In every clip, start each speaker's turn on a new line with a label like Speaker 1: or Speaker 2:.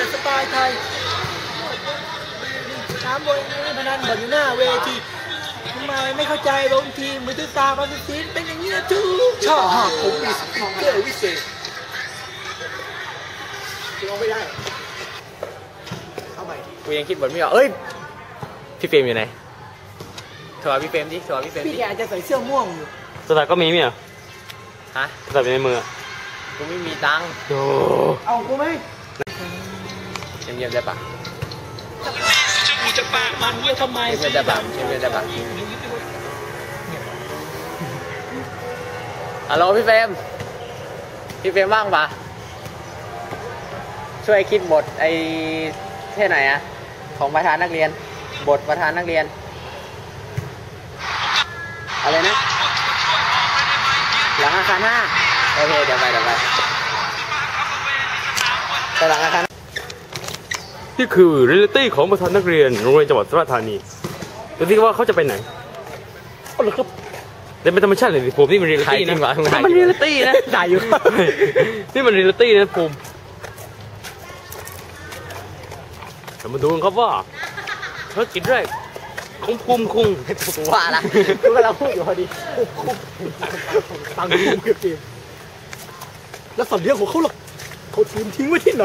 Speaker 1: แบบสไตล์ไทยถามบอยพนันบอลอยู่หน้าเวทีทำไมไม่เข้าใจบางทีมือถือตาบางทีเป็นอย่างนี้นะทุกชอบผมมีสติ๊กเกอร์วิเศษลองไม่ได้เอาใหม่
Speaker 2: กูยังคิดบทไม่ออกเอ้ยพี่เฟรมอยู่ไหนถอดพี่เฟรมดิถอดพี่เฟรม
Speaker 1: พี่แกอาจจะใส่เสื้อม่วงอยู่
Speaker 3: สตาร์ก็มีมั้ย
Speaker 2: ฮะ
Speaker 3: สตาร์ในมือ
Speaker 2: กูไม่มีตังค์
Speaker 3: โอ้
Speaker 1: เอากูไหม
Speaker 2: เยี่ยมได้ปะ
Speaker 1: กูจะปากมันเนี่ยทำไม
Speaker 2: เยี่ยมได้ปะเยี่ยมได้ปะฮัลโหลพี่เฟรมว่างปะช่วยคิดบทไอ้เท่ไหนอะของประธานนักเรียนบทประธานนักเรียนอะไรนะหลังอาคาร5โอเคเดี๋ยวไปหลังอาคาร
Speaker 3: นี่คือเรียลิตี้ของประธานนักเรียนโรงเรียนจังหวัดสุราษฎร์ธานีดูสิว่าเขาจะไปไหนเอาเลยครับแต่เป็นธรรมชาติเลยผมนี่มันเรียลิตี้นะมันเรียลิตี้นะ
Speaker 2: ถ่ายอยู่
Speaker 3: นี่มันเรียลิตี้นะผมเรามาดูกันครับว่าภารกิจแรกของภูมิคุง
Speaker 2: ว่าละกูกำลังพูดอยู่พอดี
Speaker 1: ตังค์เก็บทีมแล้วสัตว์เลี้ยงของเขาล่ะเขาทีมทิ้งไว้ที่ไหน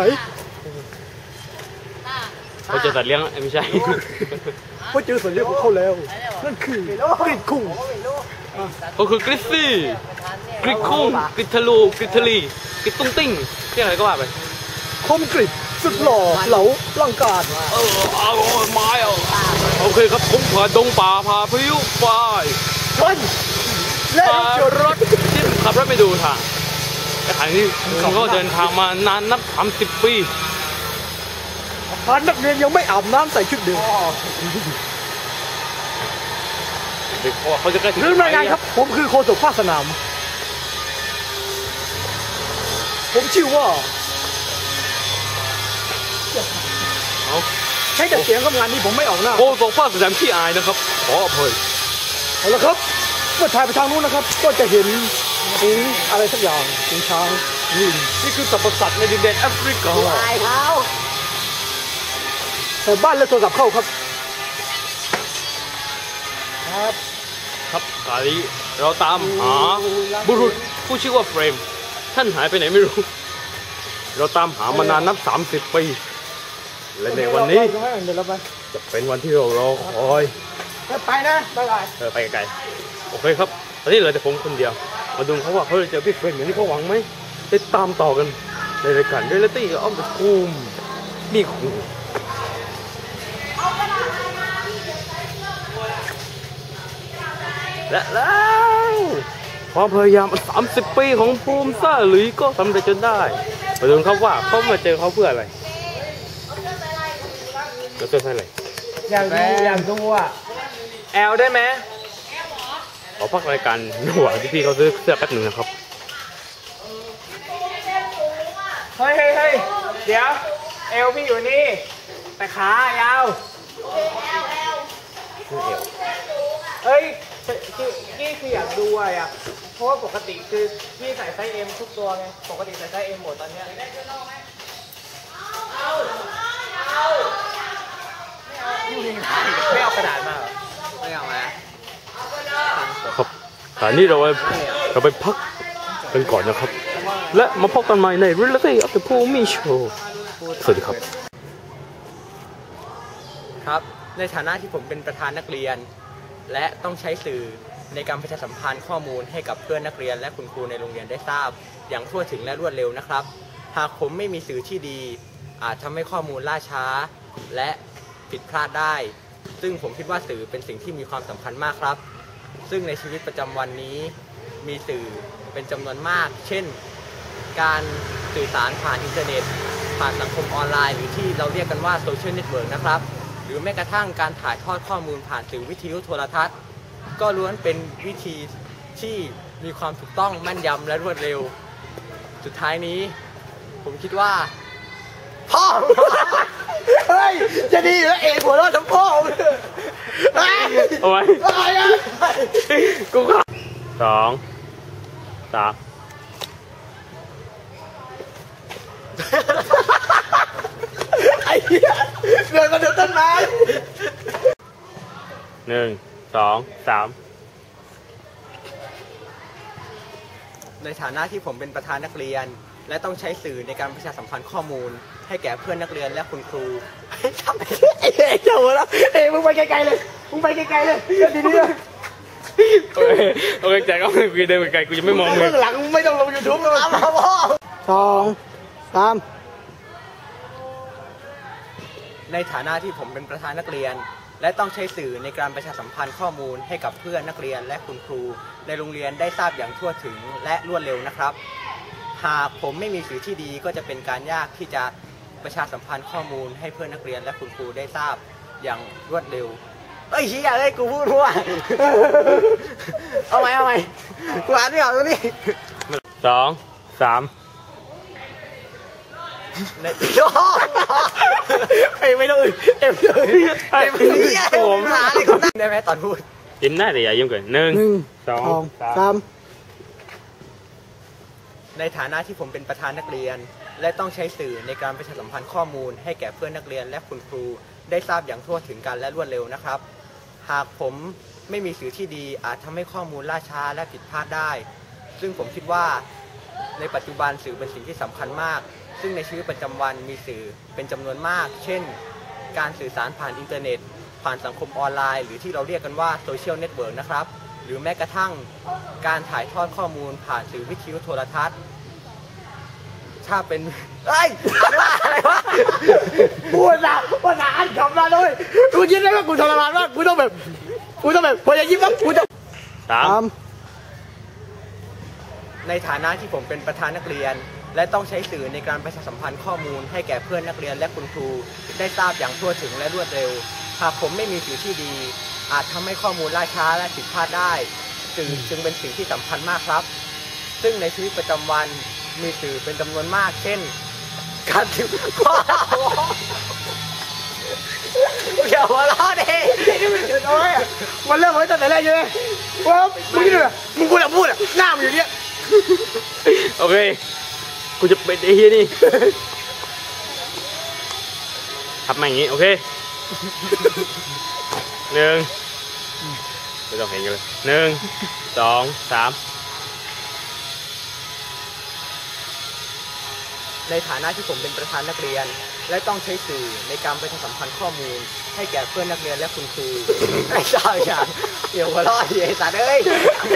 Speaker 3: เขาเจอสัตว์เลี้ยงไม่ใช่
Speaker 1: เขาเจอสัตว์เลี้ยงของเขาแล้วนั่นคือกริดคุง
Speaker 3: ก็คือกริซซี่กริดคุงกริดทะลูกริดทะลีกริดตุ้งติ้งเรียกอะไรก็ว่าไป
Speaker 1: คมกริดสุดหล่อเหลาร่างกาย
Speaker 3: เอาไม้โอเคครับผมผ่านดงป่าพาพริ้วไฟ
Speaker 1: ชนและ
Speaker 3: รถที่ขับรถไปดูทางแต่ทางนี้ผมก็เดินทางมานานนับ30 ปี
Speaker 1: พนักเรียนยังไม่อาบน้ำใส่ชุดเดิม
Speaker 3: เขาจะใกล้ถึง
Speaker 1: เรื่องรายงานครับผมคือโฆษกภาคสนามผมชื่อว่าใช้แต่เสียงกับงานนี้ผมไม่ออกหน้า
Speaker 3: โอ้ส่งภาพแสดงที่อายนะครับขออภัย
Speaker 1: เอาละครับเมื่อถ่ายไปทางนู้นนะครับก็จะเห็นสิงอะไรสักอย่างสิงช้างลิง
Speaker 3: นี่คือสัตว์สัตว์ในดินแดนแอฟริกา
Speaker 1: ตายเขาแต่บ้านและโทรศัพท์เข้าครับ
Speaker 3: ครับกาลีเราตามหาบุรุษผู้ชื่อว่าเฟรมท่านหายไปไหนไม่รู้เราตามหามานานนับ30 ปีและในวันนี้จะเป็นวันที่เรารอคอย
Speaker 1: ไปนะ
Speaker 3: ไปไกลโอเคครับตอนนี้เหลือแต่ผมคนเดียวมาดูเขาว่าเขาจะเจอพี่เฟรมอย่างที่เขาหวังไหมติดตามต่อกันในรายการเรียลิตี้ออฟเดอะคูมนี่คูและแล้วความพยายาม30 ปีของภูมิซ่าหลุยก็สำเร็จจนได้มาดูเขาว่าเขามาเจอเขาเพื่ออะไรเราเจออะไร
Speaker 2: อยากดูอ่ะแอลได้ไหม
Speaker 3: ขอพักรายการระหว่างที่พี่เขาซื้อเสื้อแป๊บหนึ่งนะครับ
Speaker 2: เฮ้ยเดี๋ยวเอลพี่อยู่นี่แต่ขายาวเฮ้ยนี่คืออยากดูอ่ะเพราะว่าปกติคือพี่ใส่ไซส์ M ทุกตัวไงปกติใส่ไซส์ M หมดตอนนี้ไม่เอากระดาษมาไม่เอามา
Speaker 3: ครับแต่นี่เราไปพักกันก่อนนะครับและมาพบกันใหม่ใน Reality of the Pumi Show สวัสดีครับ
Speaker 2: ครับในฐานะที่ผมเป็นประธานนักเรียนและต้องใช้สื่อในการประชาสัมพันธ์ข้อมูลให้กับเพื่อนนักเรียนและคุณครูในโรงเรียนได้ทราบอย่างทั่วถึงและรวดเร็วนะครับหากผมไม่มีสื่อที่ดีอาจทำให้ข้อมูลล่าช้าและผิดพลาดได้ซึ่งผมคิดว่าสื่อเป็นสิ่งที่มีความสำคัญมากครับซึ่งในชีวิตประจำวันนี้มีสื่อเป็นจำนวนมากเช่นการสื่อสารผ่านอินเทอร์เน็ตผ่านสังคมออนไลน์หรือที่เราเรียกกันว่าโซเชียลเน็ตเวิร์กนะครับหรือแม้กระทั่งการถ่ายทอดข้อมูลผ่านสื่อวิทยุโทรทัศน์ก็ล้วนเป็นวิธีที่มีความถูกต้องแม่นยำและรวดเร็วสุดท้ายนี้ผมคิดว่าพ่อ
Speaker 1: เฮ้ยจะดีแล้วเองหัวเราะทั้งพ่อ
Speaker 3: เอาไว้กูก็2 3
Speaker 1: เดินมาเดินต้นไม้
Speaker 3: 1 2 3
Speaker 2: ในฐานะที่ผมเป็นประธานนักเรียน และต้องใช้สื่อในการประชาสัมพันธ์ข้อมูล ให้แก่เพื่อนนักเรียนและคุณครู
Speaker 1: ไอ้เจ้าหัวเราะมึงไปไกลๆเลยมึงไปไกลๆเลยดีๆเลย
Speaker 3: โอเคแจ็คเอากูเดินไปไกลกูจะไม่มองเลย
Speaker 1: เบื้องหลังไม่ต้องลง YouTube แล้วพ่อ2 3
Speaker 2: ในฐานะที่ผมเป็นประธานนักเรียน และต้องใช้สื่อในการประชาสัมพันธ์ข้อมูลให้กับเพื่อนนักเรียนและคุณครูในโรงเรียนได้ทราบอย่างทั่วถึงและรวดเร็วนะครับ หากผมไม่มีสื่อที่ดีก็จะเป็นการยากที่จะประชาสัมพันธ์ข้อมูลให้เพื่อนนักเรียนและคุณครูได้ทราบอย่างรวดเร็วเอ้ยเฮียเอ้ยกูพูดว่าเอาไหมกูอ่านไม่ออกตรงนี้
Speaker 3: 2 3
Speaker 1: ไม่ต้อง
Speaker 2: ผมหาเลยคนได้ไหมตอนพูด
Speaker 3: ยิ้มได้แต่อย่ายิ้มเกิน1 2 3
Speaker 2: ในฐานะที่ผมเป็นประธานนักเรียนและต้องใช้สื่อในการประชาสัมพันธ์ข้อมูลให้แก่เพื่อนนักเรียนและคุณครูได้ทราบอย่างทั่วถึงกันและรวดเร็วนะครับหากผมไม่มีสื่อที่ดีอาจทำให้ข้อมูลล่าช้าและผิดพลาดได้ซึ่งผมคิดว่าในปัจจุบันสื่อเป็นสิ่งที่สำคัญมากซึ่งในชีวิตประจำวันมีสื่อเป็นจำนวนมากเช่นการสื่อสารผ่านอินเทอร์เน็ตผ่านสังคมออนไลน์หรือที่เราเรียกกันว่าโซเชียลเน็ตเวิร์กนะครับหรือแม้กระทั่งการถ่ายทอดข้อมูลผ่านสื่อวิทยุโทรทัศน์ถ้าเป็นเอ้ยอะไรวะ
Speaker 1: พูดนะว่าหาอันคำมาเลยกูยิ้มได้ว่ากูทรมานมากกูต้องแบบพอจะยิ้มแล้วกูจะ
Speaker 2: ในฐานะที่ผมเป็นประธานนักเรียนและต้องใช้สื่อในการประชาสัมพันธ์ข้อมูลให้แก่เพื่อนนักเรียนและคุณครูได้ทราบอย่างทั่วถึงและรวดเร็วหากผมไม่มีสื่อที่ดีอาจทำให้ข้อมูลล่าช้าและผิดพลาดได้สื่อจึงเป็นสิ่งที่สำคัญมากครับซึ่งในชีวิตประจำวันมีสื่อเป็นจำนวนมากเช่นการถืออย่าหัวเราะดิ
Speaker 1: มันเริ่มไว้ตั้งแต่แรกใช่ไหมว่ามึงนี่เลยมึงพูดอ่ะหน้ามึงอย่างเงี้ย
Speaker 3: โอเคกูจะเป็นไอ้เฮียนี่ทำมาอย่างงี้โอเค1ไม่ต้องเห็นกันเลย1 2 3
Speaker 2: ในฐานะที่ผมเป็นประธานนักเรียนและต้องใช้สื่อในการประชาสัมพันธ์ข้อมูลให้แก่เพื่อนนักเรียนและคุณครูไอ้ชาวอย่างเดี๋ยวหัวเราะดิไอ้สัตว์เอ้ย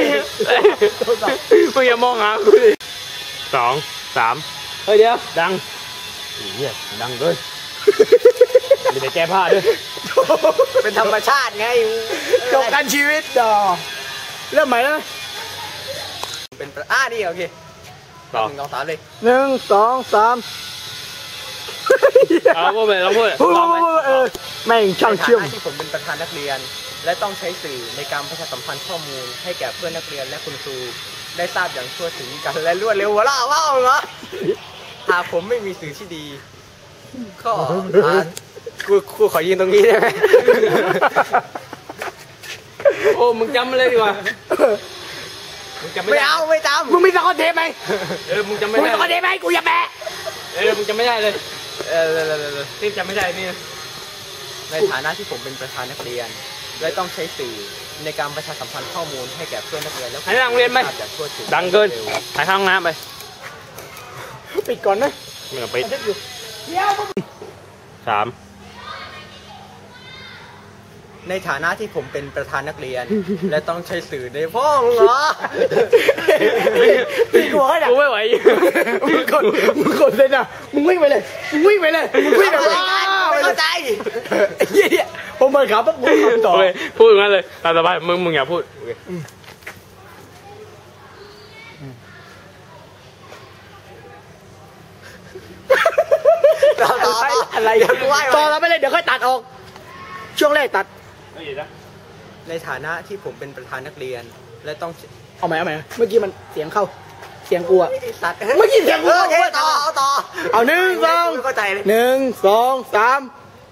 Speaker 3: มึงอย่ามองหากูดิ2 3เฮ้ยเดี๋ยวดังเฮียดังด้วยมีแต่แก้ผ้าด้วย
Speaker 2: เป็นธรรมชาติไง
Speaker 1: จบกันชีวิตดอเริ่มใหม่แล้ว
Speaker 2: เป็นนี่โอเค1 2 3เลย
Speaker 1: 1 2 3
Speaker 3: พูดไปต้องพูด
Speaker 1: แม่งช่างเชื่อม
Speaker 2: ที่ผมเป็นประธานนักเรียนและต้องใช้สื่อในการประชาสัมพันธ์ข้อมูลให้แก่เพื่อนนักเรียนและคุณครูได้ทราบอย่างทั่วถึงกันและรวดเร็วว่าเหรอหากผมไม่มีสื่อที่ดีก็กูขอยืนตรงนี้ได้ไหม
Speaker 3: โอ้มึงจำเลยดีกว่า
Speaker 2: ไม่เอาไม่จำ
Speaker 1: มึงมีสกอตเทปไหม
Speaker 3: มึงจำไม่ได้
Speaker 1: มึงสกอตเทปไหมกูอย่าแปะ
Speaker 3: มึงจำไม่ได้เลยนี่จำไม่ได้นี่
Speaker 2: ในฐานะที่ผมเป็นประธานนักเรียนและต้องใช้สื่อในการประชาสัมพันธ์ข้อมูลให้แก่เพื่อนนักเรียนแล้ว
Speaker 3: ให้นักเรียนไหมดังเกินถ่ายข้างน้ำไป
Speaker 1: ปิดก่อนนะ
Speaker 3: ไม่ต้องปิด3
Speaker 2: ในฐานะที่ผมเป็นประธานนักเรียนและต้องใช้สื่อในพ่อมึงเหรอ
Speaker 1: กู
Speaker 3: ไม่ไหว
Speaker 1: มึงกดเลยนะมึงวิ่งไปเลยไม่
Speaker 2: เข้าใจ
Speaker 1: ผมเปิดขาปั๊บมึงต่อ
Speaker 3: พูดอย่างนั้นเลยตามสบายมึงอย่าพูด
Speaker 1: อะไรต่อเราไปเลยเดี๋ยวค่อยตัดออกช่วงแรกตัด
Speaker 2: ในฐานะที่ผมเป็นประธานนักเรียนและต้อง
Speaker 1: เอาใหม่เมื่อกี้มันเสียงเข้าเสียงกูอะ
Speaker 2: เมื่อกี้เสียงกู
Speaker 1: ต่อเอา1 2 3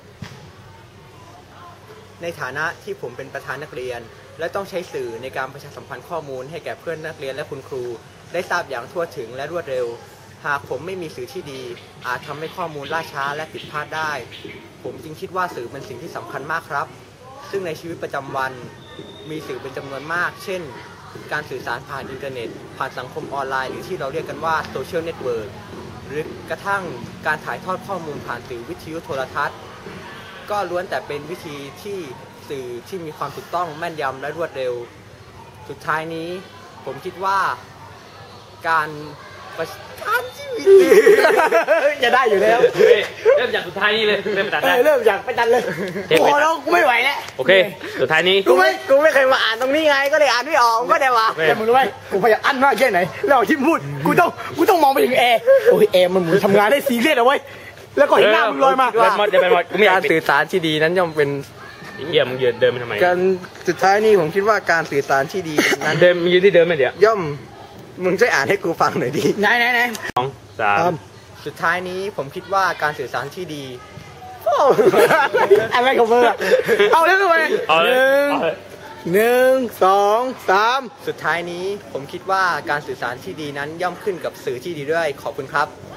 Speaker 2: ในฐานะที่ผมเป็นประธานนักเรียนและต้องใช้สื่อในการประชาสัมพันธ์ข้อมูลให้แก่เพื่อนนักเรียนและคุณครูได้ทราบอย่างทั่วถึงและรวดเร็วหากผมไม่มีสื่อที่ดีอาจทำให้ข้อมูลล่าช้าและผิดพลาดได้ผมจึงคิดว่าสื่อเป็นสิ่งที่สำคัญมากครับซึ่งในชีวิตประจำวันมีสื่อเป็นจำนวนมากเช่นการสื่อสารผ่านอินเทอร์เน็ตผ่านสังคมออนไลน์หรือที่เราเรียกกันว่าโซเชียลเน็ตเวิร์กหรือกระทั่งการถ่ายทอดข้อมูลผ่านสื่อวิทยุโทรทัศน์ก็ล้วนแต่เป็นวิธีที่สื่อที่มีความถูกต้องแม่นยำและรวดเร็วสุดท้ายนี้ผมคิดว่าการชีวิต
Speaker 1: จะได้อยู่แล้ว
Speaker 3: เริ่มจากสุดท้ายนี้เลยเริ่มจากได้
Speaker 1: เริ่มจากไปตัดเลยโอ้โหแล้วกูไม่ไหวแล้ว
Speaker 3: โอเค สุดท้ายนี้
Speaker 1: กูไม่เคยมาอ่านตรงนี้ไงก็เลยอ่านไม่ออกก็ได้ว่าแต่มึงรู้ไหมกูพยายามอั้นมากแค่ไหนแล้วที่พูดกูต้องมองไปถึงแอร์โอ้ยแอร์มันหมุนทำงานได้ซีเรียสเอาไว้แล้วก็เห็นหน้ามึงลอยมา
Speaker 2: การสื่อสารที่ดีนั้นย่อมเป็น
Speaker 3: เยี่ยมมึงยืนเดินไปทำไม
Speaker 2: การสุดท้ายนี้ผมคิดว่าการสื่อสารที่ดีนั้น
Speaker 3: เดินมึงยืนที่เดิมไหมเดี๋ยว
Speaker 2: ย่อมมึงช่วยอ่านให้กูฟังหน่อยดิ
Speaker 1: ไหน
Speaker 3: 2 3
Speaker 2: สุดท้ายนี้ผมคิดว่าการสื่อสารที่ดี
Speaker 1: อะไรของมึงอะเอาแล้วทำไม
Speaker 3: เอาเลย
Speaker 1: 1 2 3
Speaker 2: สุดท้ายนี้ผมคิดว่าการสื่อสารที่ดีนั้นย่อมขึ้นกับสื่อที่ดีด้วยขอบคุณครับ